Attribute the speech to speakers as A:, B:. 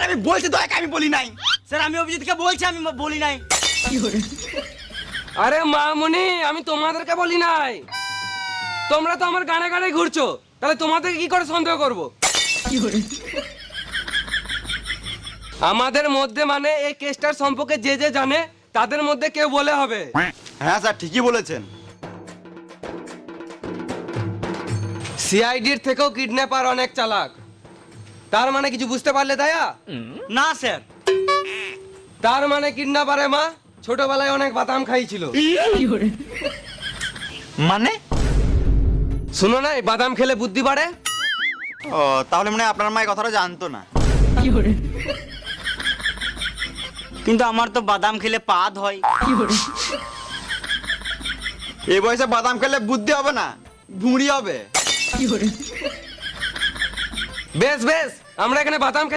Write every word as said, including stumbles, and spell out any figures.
A: আমি বলছি দয়াকে আমি বলি নাই।
B: স্যার আমি অভিজিৎকে বলছি আমি বলি নাই।
C: আরে মামুনি আমি তোমাদেরকে বলি নাই, তোমরা তো আমার গানে গানে ঘুরছো, তাহলে তোমাদেরকে কি করে সন্দেহ করব? আমাদের মধ্যে মানে এই কেসটার সম্পর্কে যে যে জানে তাদের মধ্যে কেউ বলে হবে।
A: হ্যাঁ স্যার ঠিকই বলেছেন।
C: সিআইডির থেকেও কিডন্যাপার অনেক চালাক, তার মানে কিছু বুঝতে পারলে দয়া?
B: না স্যার।
C: তার মানে কিডন্যাপারে মা ছোটবেলায় অনেক বাদাম খাইছিল।
A: মানে
C: শুনো না, এই বাদাম খেলে বুদ্ধি বাড়ে।
A: ও তাহলে মনে হয় আপনার মা এই কথাটা জানতো না।
B: কিন্তু আমার তো বাদাম খেলে পাদ হয়।
A: এই বয়সে বাদাম খেলে বুদ্ধি হবে না, ভুঁড়ি হবে।
C: বেশ বেশ, আমরা এখানে বাদাম